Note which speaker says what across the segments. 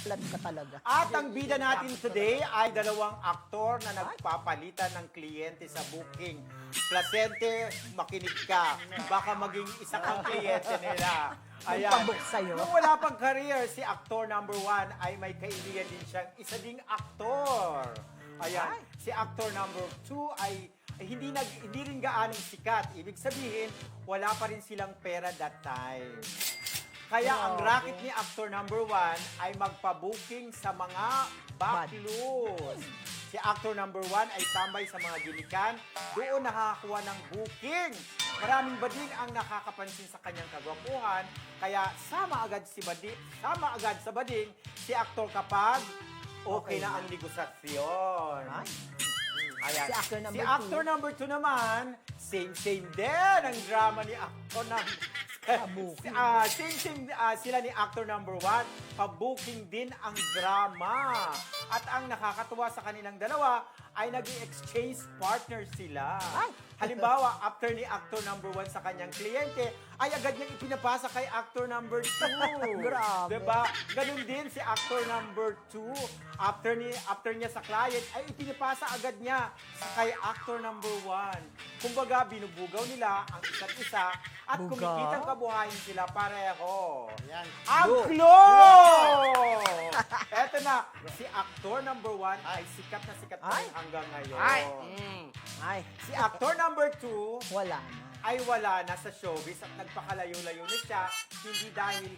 Speaker 1: flat ka talaga.
Speaker 2: At ang bida natin today ay dalawang aktor na nagpapalitan ng kliyente sa booking. Placente, makinig ka. Baka maging isa kang kliyente nila. Ayan.
Speaker 1: Magpabook sa'yo.
Speaker 2: Nung wala pang career, si actor number 1 ay may kaibigan din siyang isa ding aktor. Ayan. Si actor number 2 ay hindi rin gaanong sikat. Ibig sabihin, wala pa rin silang pera that time. Kaya ang racket ni actor number 1 ay magpa-booking sa mga backlus. Si actor number 1 ay tambay sa mga gilikan, doon nakakakuha ng booking. Maraming bading ang nakakapansin sa kanyang kagwapuhan, kaya sama agad sa bading si actor kapag okay na ang negosasyon. Ayan.
Speaker 1: Si actor number
Speaker 2: Si actor number 2 naman, same din ang drama ni actor number sila ni actor number 1, pa-booking din ang drama. At ang nakakatuwa sa kanilang dalawa ay naging exchange partner sila. Halimbawa, after ni actor number 1 sa kanyang kliyente, ay agad niyang ipinapasa kay actor number 2.
Speaker 1: Grabe.
Speaker 2: Diba? Ganun din si actor number 2. After niya sa client, ay ipinapasa agad niya kay actor number 1. Kumbaga, binubugaw nila ang isa't isa at
Speaker 1: Bugaw?
Speaker 2: kumikitang kabuhayan sila pareho.
Speaker 3: Yan.
Speaker 2: Ang clue! Eto na, si actor number 1 ay sikat na sikat pa rin hanggang ngayon.
Speaker 1: Ay,
Speaker 2: Si actor number 2
Speaker 1: wala na.
Speaker 2: ay wala na sa showbiz at nagpakalayo-layo na siya, hindi dahil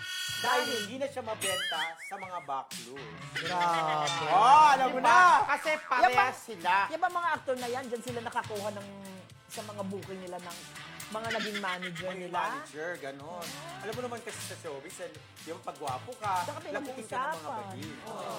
Speaker 2: hindi na siya mabenta sa mga backlus.
Speaker 1: Grabe.
Speaker 2: Oh, alam mo na!
Speaker 3: Kasi parehas sila.
Speaker 1: Yung ba mga actor na yan, dyan sila nakakuha ng sa mga booking nila ng mga naging manager
Speaker 2: May
Speaker 1: nila?
Speaker 2: manager, ganon. Alam mo naman kasi sa showbiz, yung pagwapo ka,
Speaker 1: Saka
Speaker 2: lapuin ka ng mga
Speaker 1: pinag-uusapan.
Speaker 2: badi.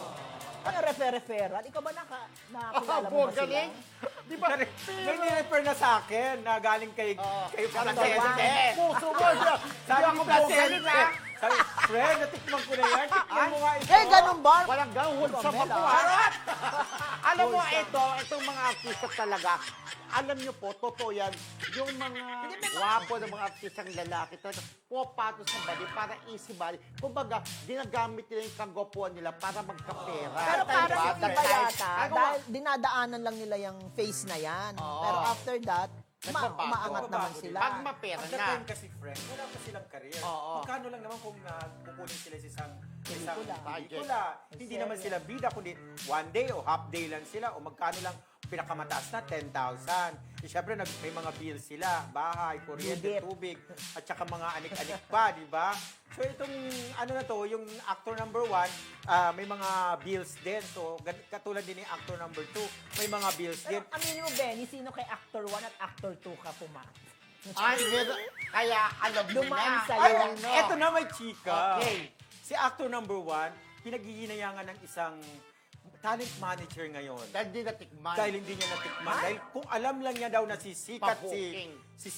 Speaker 1: Ano, referral? Ikaw ba nakilala mo
Speaker 3: Oh,
Speaker 1: ba sila?
Speaker 3: galing. Di ba?
Speaker 2: May nirefer na sa akin na galing kay
Speaker 3: Placente. Puso mo.
Speaker 2: Sabi
Speaker 3: Hindi
Speaker 2: ko
Speaker 3: ako
Speaker 2: Placente.
Speaker 3: galing, ha?
Speaker 2: Sabi, friend, natikman ko na yan. Tikman mo nga ito.
Speaker 1: Eh, ganun ba?
Speaker 3: Walang gawon sa
Speaker 1: Pamela.
Speaker 3: papuharap. Alam mo, itong mga artista talaga, alam nyo po, totoo yan, yung mga gwapo ng mga artistang lalaki talaga, pumapato sa bali para easy bali. Kumbaga, ginagamit nila yung kagwapuan nila para magkapera.
Speaker 1: Pero parang yung iba yata,
Speaker 3: Ano,
Speaker 1: dahil dinadaanan lang nila yung face na yan.
Speaker 3: Oo.
Speaker 1: Pero after that,
Speaker 3: Nagbabago.
Speaker 1: umaangat naman
Speaker 2: Nagbabago
Speaker 1: sila.
Speaker 3: Pag mapera
Speaker 2: At that
Speaker 3: na.
Speaker 2: time kasi, friend, wala pa silang career.
Speaker 3: Oo.
Speaker 2: Magkano lang naman kung kukunin sila sa isang
Speaker 1: Pelikula.
Speaker 2: pelikula. Hindi naman sila bida, kundi one day o half day lang sila o magkano lang pinakamataas na 10,000. Eh, syempre, may mga bills sila, bahay, kuryente,
Speaker 1: Bigit.
Speaker 2: tubig, at saka mga anik-anik pa, di ba? So itong ano na to, yung actor number 1, may mga bills din. So katulad din ni actor number 2, may mga bills din.
Speaker 1: Pero aminin mo, Benny, sino kay actor 1 at actor 2 ka pumasok?
Speaker 3: Ay, kaya alam mo
Speaker 1: Dumaan
Speaker 3: na.
Speaker 1: sa'yo.
Speaker 3: Ay,
Speaker 2: Eto na may chika.
Speaker 3: Okay.
Speaker 2: Si actor number 1, pinaghihinayangan ng isang talent manager ngayon.
Speaker 3: Dahil di natikman.
Speaker 2: Dahil hindi niya natikman. Dahil kung alam lang niya daw na sisikat
Speaker 3: Pa-booking.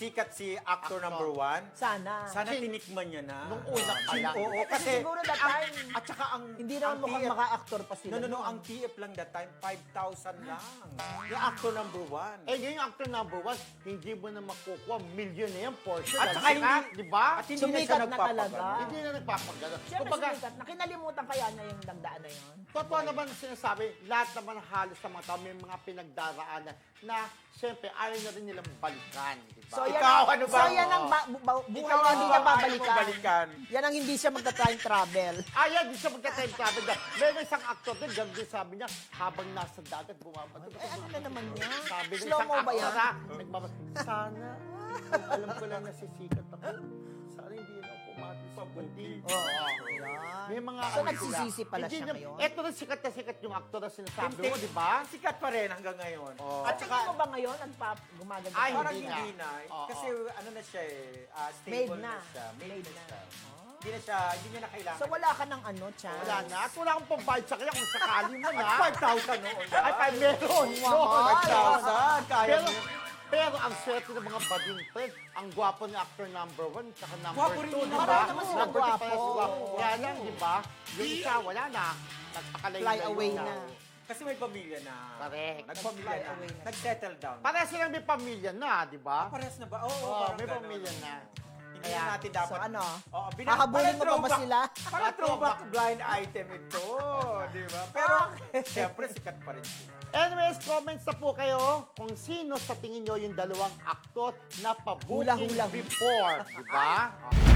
Speaker 2: si actor number 1,
Speaker 1: Sana.
Speaker 2: sana tinikman niya na.
Speaker 3: Nung una pa lang.
Speaker 2: Oo,
Speaker 1: Kasi
Speaker 2: kasi
Speaker 1: siguro that time,
Speaker 2: at saka ang
Speaker 1: hindi naman
Speaker 2: ang
Speaker 1: mukhang
Speaker 2: TF
Speaker 1: maka-actor pa sila.
Speaker 2: No, ang TF lang that time, 5,000 lang. Yung actor number 1.
Speaker 3: Eh, ngayon yung actor number 1, hindi mo na makukuha. Million na yan, portion.
Speaker 2: At saka hindi,
Speaker 3: di ba?
Speaker 2: At hindi na siya
Speaker 1: Sumikat na
Speaker 2: nagpapagano.
Speaker 1: talaga.
Speaker 3: Hindi na nagpapagano.
Speaker 1: Siyempre
Speaker 3: Kumbaga,
Speaker 1: sumikat na. Kinalimutan kaya niya yung dagdaan na yun.
Speaker 3: totoo naman sinasabi, lahat naman halos sa mga tao may mga pinagdaraanan na siyempre ayaw na rin nilang balikan. Di ba?
Speaker 1: So, yan,
Speaker 2: Ikaw, ano ba?
Speaker 1: So, yan ang buhay
Speaker 2: Ikaw
Speaker 1: na
Speaker 2: ang
Speaker 1: hindi niya
Speaker 2: ayaw mo
Speaker 1: babalikan.
Speaker 2: balikan.
Speaker 1: Yan ang hindi siya magta-time travel.
Speaker 3: Ayaw, di siya magka-time travel. Meron isang actor din, ganun din sabi niya, habang nasa dagat, bumabato.
Speaker 1: Eh, ano na naman yan?
Speaker 3: Sabi ng
Speaker 1: Slow
Speaker 3: isang
Speaker 1: mo ba yan?
Speaker 3: actor, sana, alam ko lang nasisikat ako. Sana hindi na ako pumato sa bundi.
Speaker 1: Oo.
Speaker 3: May mga
Speaker 1: So,
Speaker 3: ano
Speaker 1: nagsisisi
Speaker 3: sila.
Speaker 1: pala
Speaker 3: Hindi
Speaker 1: siya
Speaker 3: na-
Speaker 1: ngayon?
Speaker 3: Eto na sikat na aktor na sinasabi
Speaker 2: Hindi.
Speaker 3: mo, di ba?
Speaker 2: Sikat pa rin hanggang ngayon.
Speaker 3: Oo.
Speaker 1: At tingin mo ba ngayon, gumaganda?
Speaker 3: Ay,
Speaker 2: Parang
Speaker 3: hindi
Speaker 2: hindi
Speaker 3: na.
Speaker 2: na.
Speaker 3: Oo.
Speaker 2: Kasi ano na siya eh, stable
Speaker 1: Made
Speaker 2: na.
Speaker 1: na.
Speaker 2: siya. Made
Speaker 1: Made
Speaker 2: na
Speaker 1: na.
Speaker 2: siya.
Speaker 1: Oh.
Speaker 2: Hindi niya na kailangan.
Speaker 1: So, wala ka ng ano, chance?
Speaker 3: Wala na. At wala akong pambayad sa kanya kung sakali mo na.
Speaker 2: 5,000 noon.
Speaker 3: Ay, meron.
Speaker 1: Wow.
Speaker 3: Noon.
Speaker 2: 5,000. Kaya
Speaker 3: Pero,
Speaker 2: mo.
Speaker 3: pero ang swerte ng mga bading friend, ang gwapo ni actor number 1 tsaka number
Speaker 2: Gwapo
Speaker 3: 2,
Speaker 2: rin
Speaker 3: di
Speaker 2: yun.
Speaker 3: ba?
Speaker 1: Marami naman silang
Speaker 3: Number 2
Speaker 1: gwapo.
Speaker 3: parehas gwapo. Kaya lang, di ba? Yung isa, wala na. Nagpakalayo
Speaker 1: Fly away na.
Speaker 2: Kasi may pamilya na.
Speaker 3: Correct.
Speaker 2: Nagpamilya
Speaker 1: Fly
Speaker 2: na.
Speaker 1: away na.
Speaker 2: Nag-settle down.
Speaker 3: Parehas silang may pamilya na, di ba?
Speaker 2: Parehas na ba? Oo,
Speaker 3: Oo,
Speaker 2: parang
Speaker 3: may
Speaker 2: ganun.
Speaker 3: pamilya na.
Speaker 2: Hindi na natin dapat.
Speaker 1: So ano?
Speaker 2: Oo,
Speaker 1: Hahabulin mo pa ba sila?
Speaker 2: Parang throwback blind item ito. Di ba? Pero, siyempre, sikat pa rin sila.
Speaker 3: Anyways, comments na po kayo kung sino sa tingin nyo yung dalawang aktor na
Speaker 1: Hula-hula.
Speaker 3: pa-booking before. Diba?